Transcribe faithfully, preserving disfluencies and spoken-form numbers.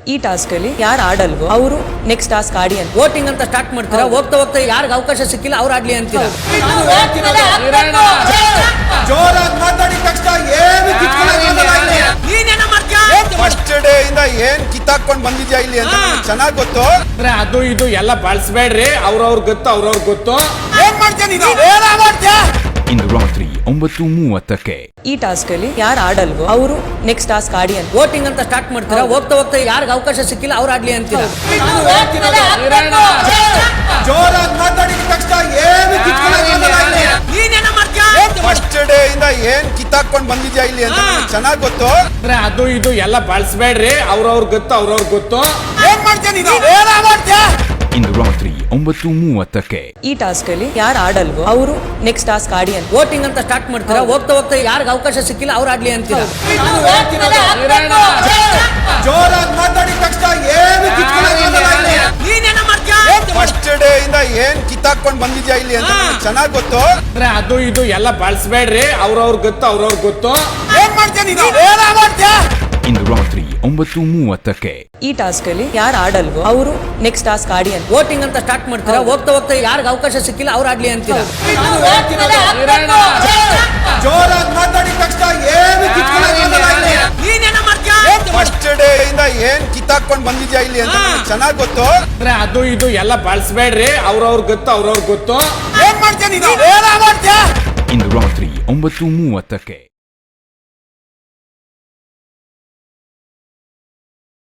ಈ ಟಾಸ್ಕ್ ಅಲ್ಲಿ ಯಾರು ಆಡಲ್ವೋ ಅವರು ನೆಕ್ಸ್ಟ್ ಟಾಸ್ಕ್ ಆಡಿ ಅಂತ ವೋಟಿಂಗ್ ಅಂತ ಸ್ಟಾರ್ಟ್ ಮಾಡ್ತೀರಾ. ಹೋಗ್ತಾ ಹೋಗ್ತಾ ಯಾರಿಗೆ ಅವಕಾಶ ಸಿಕ್ಕಿಲ್ಲ ಅವ್ರು ಆಡ್ಲಿ ಅಂತೀರಾ. ಜೋರಾಗಿ ಮಾತಾಡಿದ ತಕ್ಷಣ ಏನು ನೀನೇನ ಮಾಡ್ತೀಯ? ಫಸ್ಟ್ ಡೇ ಇಂದ ಏನ್ ಕಿತ್ತಾಕೊಂಡ್ ಬಂದಿದ್ಯಾ ಇಲ್ಲಿ ಅಂತ ಚೆನ್ನಾಗಿ ಗೊತ್ತು. ಅದು ಇದು ಎಲ್ಲ ಬಳಸಬೇಡ್ರಿ. ಅವ್ರವ್ರ ಗೊತ್ತು ಅವ್ರವ್ರ ಗೊತ್ತು. ಏನ್ ಮಾಡ್ತೀಯ ನೀನು? ಏನ ಮಾಡ್ತೀಯ? ಇಂದು ರಾತ್ರಿ ಒಂಬತ್ತು ಮೂವತ್ತಕ್ಕೆ ಈ ಟಾಸ್ಕ್ ಅಲ್ಲಿ ಯಾರು ಆಡಲ್ವೋ ಅವರು ನೆಕ್ಸ್ಟ್ ಟಾಸ್ಕ್ ಆಡಿ ಅಂತ ವೋಟಿಂಗ್ ಅಂತ ಸ್ಟಾರ್ಟ್ ಮಾಡ್ತೀರಾ. ಹೋಗ್ತಾ ಹೋಗ್ತಾ ಯಾರಿಗೆ ಅವಕಾಶ ಸಿಕ್ಕಿಲ್ಲ ಅವ್ರು ಆಡ್ಲಿ ಅಂತೀರಾ. ಜೋರಾಗಿ ಮಾತಾಡಿದ ತಕ್ಷಣ ಏನು ನೀನೇನ ಮಾಡ್ತೀಯ? ಫಸ್ಟ್ ಡೇ ಇಂದ ಏನ್ ಕಿತ್ತಾಕೊಂಡ್ ಬಂದಿದ್ಯಾ ಇಲ್ಲಿ ಅಂತ ಚೆನ್ನಾಗಿ ಗೊತ್ತು. ಅದು ಇದು ಎಲ್ಲ ಬಳಸಬೇಡ್ರಿ. ಅವ್ರವ್ರ ಗೊತ್ತು ಅವ್ರವ್ರ ಗೊತ್ತು. ಏನ್ ಮಾಡ್ತೀಯ ನೀನು? ಏನ ಮಾಡ್ತೀಯ? ಇಂದು ರಾತ್ರಿ ಒಂಬತ್ತು ಮೂವತ್ತಕ್ಕೆ ಈ ಟಾಸ್ಕ್ ಅಲ್ಲಿ ಯಾರು ಆಡಲ್ವೋ ಅವರು ನೆಕ್ಸ್ಟ್ ಟಾಸ್ಕ್ ಆಡಿ ಅಂತ ವೋಟಿಂಗ್ ಅಂತ ಸ್ಟಾರ್ಟ್ ಮಾಡ್ತೀರಾ. ಹೋಗ್ತಾ ಹೋಗ್ತಾ ಯಾರಿಗೆ ಅವಕಾಶ ಸಿಕ್ಕಿಲ್ಲ ಅವ್ರು ಆಡ್ಲಿ ಅಂತೀರಾ. ಜೋರಾಗಿ ಮಾತಾಡಿದ ತಕ್ಷಣ ಏನು ನೀನೇನ ಮಾಡ್ತೀಯ? ಫಸ್ಟ್ ಡೇ ಇಂದ ಏನ್ ಕಿತ್ತಾಕೊಂಡ್ ಬಂದಿದ್ಯಾ ಇಲ್ಲಿ ಅಂತ ಚೆನ್ನಾಗಿ ಗೊತ್ತು. ಅದು ಇದು ಎಲ್ಲ ಬಳಸಬೇಡ್ರಿ. ಅವ್ರವ್ರ ಗೊತ್ತು ಅವ್ರವ್ರ ಗೊತ್ತು. ಏನ್ ಮಾಡ್ತೀಯ ನೀನು? ಏನ ಮಾಡ್ತೀಯ? ಇಂದು ರಾತ್ರಿ ಒಂಬತ್ತು ಮೂವತ್ತಕ್ಕೆ ಈ ಟಾಸ್ಕ್ ಅಲ್ಲಿ ಯಾರು ಆಡಲ್ವೋ ಅವರು ನೆಕ್ಸ್ಟ್ ಟಾಸ್ಕ್ ಆಡಿ ಅಂತ ವೋಟಿಂಗ್ ಅಂತ ಸ್ಟಾರ್ಟ್ ಮಾಡ್ತೀರಾ. ಹೋಗ್ತಾ ಹೋಗ್ತಾ ಯಾರಿಗೆ ಅವಕಾಶ ಸಿಕ್ಕಿಲ್ಲ ಅವ್ರು ಆಡ್ಲಿ ಅಂತೀರಾ. ಜೋರಾಗಿ ಮಾತಾಡಿದ ತಕ್ಷಣ ಏನು ನೀನೇನ ಮಾಡ್ತೀಯ? ಫಸ್ಟ್ ಡೇ ಇಂದ ಏನ್ ಕಿತ್ತಾಕೊಂಡ್ ಬಂದಿದ್ಯಾ ಇಲ್ಲಿ ಅಂತ ಚೆನ್ನಾಗಿ ಗೊತ್ತು. ಅದು ಇದು ಎಲ್ಲ ಬಳಸಬೇಡ್ರಿ. ಅವ್ರವ್ರ ಗೊತ್ತು ಅವ್ರವ್ರ ಗೊತ್ತು. ಏನ್ ಮಾಡ್ತೀಯ ನೀನು? ಏನ ಮಾಡ್ತೀಯ? ಇಂದು ರಾತ್ರಿ ಒಂಬತ್ತು ಮೂವತ್ತಕ್ಕೆ